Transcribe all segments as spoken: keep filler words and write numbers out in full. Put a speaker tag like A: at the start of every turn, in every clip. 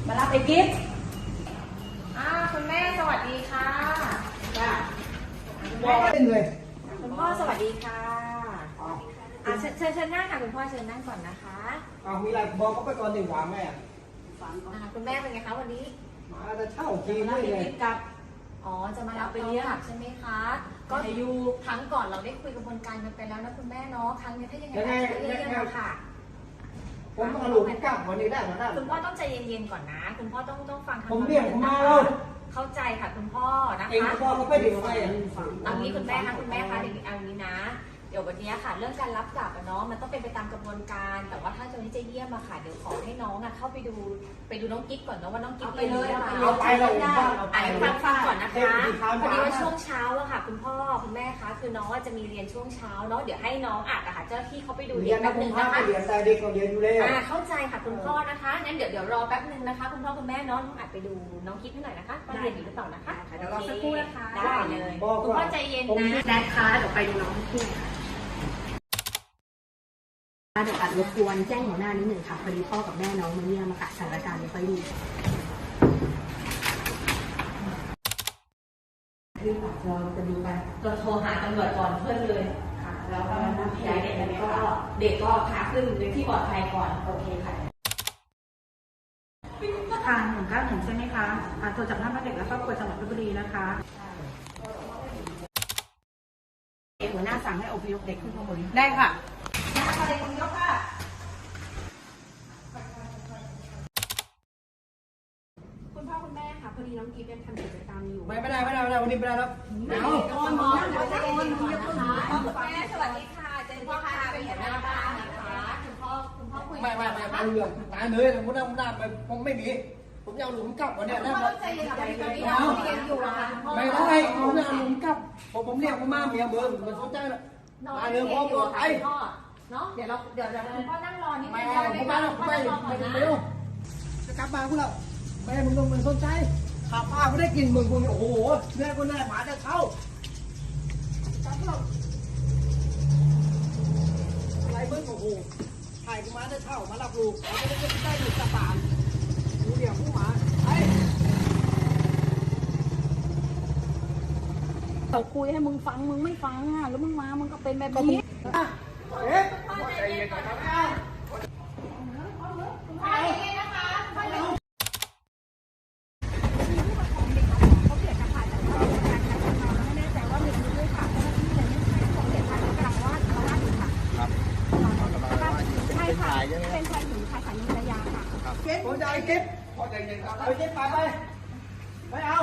A: มารับไอ้กิฟต์
B: อ่าคุณแม่สวัสดีค่ะ
A: จ้า
C: บอกเล่นเลย
B: คุณพ่อสวัสดีค่ะอ่าเชิญเชิญเชิญนั่งค่ะคุณพ่อเชิญนั่งก่อนนะคะ
C: เอามีอะไรบอกเขาไปก่อนหนึ่งถามแม่
B: อ่าคุณแม่เป็นไงคะวันนี้
C: มาจะเช่าทีม
A: มารับ
C: นี่
A: ไอ้
C: เลย
A: กิฟต์กลับ
B: อ๋อจะมารับไปเลี้ยงใช่ไหมคะก็อยู่ครั้งก่อนเราได้คุยกระบวนการกันไปแล้วนะคุณแม่เนาะครั้งนี้ถ้ายังไงก็เรียกมาค่ะ
C: ผมต้องเอาลูกกลับวันนี้ได้มาได้
B: คุณพ่อต้องใจเย็นๆก่อนนะคุณพ่อต้องต้องฟัง
C: ผมเรียกผมมาแล้ว
B: เข้าใจค่ะคุณพ่อนะ
C: เอง
B: คะ
C: พ่อเขาไปเดี๋ยวไปอ่ะ
B: เอางี้คุณแม่คะคุณแม่คะเดี๋ยวเอางี้นะเดี๋ยววันนี้ค่ะเรื่องการรับกลับอะเนาะมันต้องเป็นไปตามกระบวนการแต่ว่าถ้าตอนนี้จะเยี่ยมอะค่ะเดี๋ยวขอให้น้องอะเข้าไปดูไปดูน้องกิ๊กก่อนเนาะว่าน้องกิ๊กเป็นยังไง
C: เอาไปเราบ้านเอาไป
B: อ่านฟังฟังก่อนนะคะพอดีว่าช่วงเช้าอะค่ะคุณพ่อคุณแม่คะคือน้องจะมีเรียนช่วงเช้าเนาะเดี๋ยวให้น้องอัดอะค่ะเจ้าหน้าที่เขาไปดู
C: เรี
B: เด็
C: ย
B: ก
C: น
B: แป๊
C: นะ
B: บ
C: ผ
B: นึ
C: ม
B: ง
C: พา
B: นะ
C: ไป
B: คะ
C: เรียนแต่เด็กก็เรียนอยู่แล้ว
B: อ่าเข้าใจค่ะคุณพ่อนะคะงั้นเดี๋ยวเดี๋ยวรอแป๊บนึงนะคะคุณพ่อคุณแม่น้องอัดไปดูน้องกิ๊กให้หน่อยนะคะว่าเรียนอยู่หรือเปล่านะคะเดี๋ยวรอสักครู่นะคะได้เลยคุณพ่อใจเย็นนะ
A: แดดคะเดี๋ยวไปดูน้องที่ค่ะเดี๋ยวอัดรบกวนแจ้งหัวหน้านิดหนึ่งค่ะพอดีพ่อกับแม่น้องมาเยี่ยมมาค่ะสถานการณ์ไม่ค่อยดีคือเราจะดูกัน
B: เราโทรหาตำรวจก่อนเพื่อนเลยค่ะแล้วก็ย้ายเด็กก็เด็กก็พาขึ้นในที่ปลอดภัยก่อนโอเคค่ะ
A: ทางหนึ่งเก้าหนึ่งใช่ไหมคะอ่าโทรจากท่านแม่เด็กและครอบครัวจังหวัดเพชรบุรีนะคะหัวหน้าสั่งให้อพยพเด็กขึ้นข้างบนได้ค่ะเด็กคนยกค่ะคุณพ่อคุณแม่ค่ะพอดีน้องกีเป็นทำกิจกรรมอยู่
C: ไม่ไม่ได้ไม่ได้ไม่ได้วันนี้ไม่ได้แล้ว
A: เอาตอนนี้เราจะโอนมึงจะต้องหา
B: แม่สวัสดีค่ะเจนพ่อค่ะเป็นหัวหน้าบ้านนะคะคุณพ่อคุณพ่อคุย
C: ไม่ไม่ไม่ไม่เรื่องตายเลยผมนั่งนั่งไปผมไม่มีผมจะเอาหลุมกลับวันนี้นะ
B: พ่อใจเย็นค่ะตอนนี้น้องเรียนอยู่อะค่ะคุณพ่อ
C: ไม่ได้ผมจะเอาหลุมกลับผมผมเรียกผมมาเมียเบิร์มันสนใจนะ
B: น้อง
C: ตาย
B: เรี
C: เลย ย
B: น
C: พ่อ
B: อยู่
C: บอก
B: ค่ะ
C: ไอ้
B: คุณพ่อเนาะเดี๋ยวเราเดี๋ยวเดี๋ยวคุณพ่อนั่งรอนิดนึ
C: ไม่
B: ง
C: เอา
B: ได้
C: ผม
B: ไหม
C: มา
B: คะ
C: แล้วผมไม่ไม่ไม่เอาจะกลับมาคุณแล้วแม่มึงต้องมึงสนใจข้าป้าไม่ได้กินมึงกูโอ้โหแม่กูแน่หมาจะเข้าจับเราอะไรมึงโอ้โหถ่ายกูมาจะเข้ามารับลูกเราไม่ได้ได้ลูกกระป๋านกูเดี๋ยวกูหมาไอ้
A: เขาคุยให้มึงฟังมึงไม่ฟังอ่ะแล้วมึงมามึงก็เป็นแบบนี้
C: เอ๊ะใจเย็นก่อนนะไม่เอา
B: พ่อใจเย็นนะคะพ่อใจเย็น
A: เขาเกิดจากผ่านจากการจัดการเราไม่แน่ใจว่ามีด้วยค่ะเจ้าหน้าที่เลยไม่ใช่ของเด็กค่ะกำลังวาดเขาวาดอยู่ค่ะครับใช่ค่ะเป็นชายหญิงค่ะสามีภรรยาค่ะ
C: เก็บผมจะไอ้เก็บพอใจเย็นครับเอาเก็บไปไปไม่เอา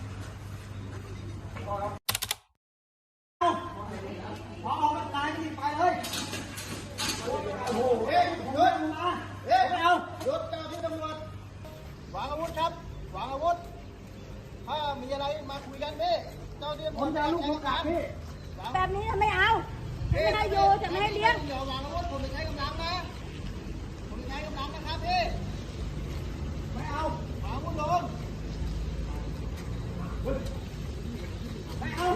C: พอออกมานายที่ไปเลยโอ้โหเฮ้ยเดินมาเฮ้ยไม่เอาหยุดเจ้าที่ตำรวจวางอาวุธครับวางอาวุธถ้ามีอะไรมาคุยกันพี่เจ้าที่ผมจะลูกผมกลับพี่
A: แบบนี้ไม่เอาไม่ให้โยจะไม่ให้เลี้ยง
C: เดี๋ยววางอาวุธผมไม่ใช้กำลังนะผมไม่ใช้กำลังนะครับพี่ไม่เอาวางอาวุธลงไม่เอา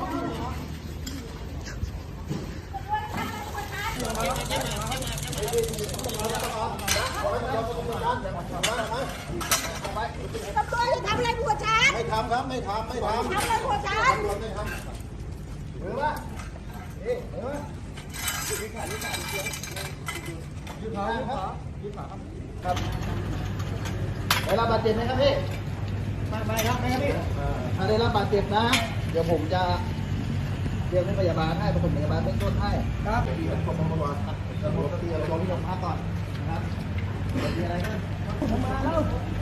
A: ตำรวจจะทำอะไรผัวฉัน
C: ไม่ทำครับไม่ทำไม่ทำ
A: ทำอะไรผัวฉัน
C: ไม่ทำหรือว่าเอ๊ะหรือว่ายืดขายืดขายืดขาครับยืดขาครับครับได้รับบาดเจ็บไหมครับพี่ไม่ไม่ครับไม่ครับพี่ถ้าได้รับบาดเจ็บนะเดี๋ยวผมจะเรียกให้พยาบาลให้ประถมพยาบาลเบื้องต้นให้ครับดีเป็นผมมาบอกจะบอกที่เราลองที่โรงพักก่อนนะครับมีอะไรกันผมมาแล้ว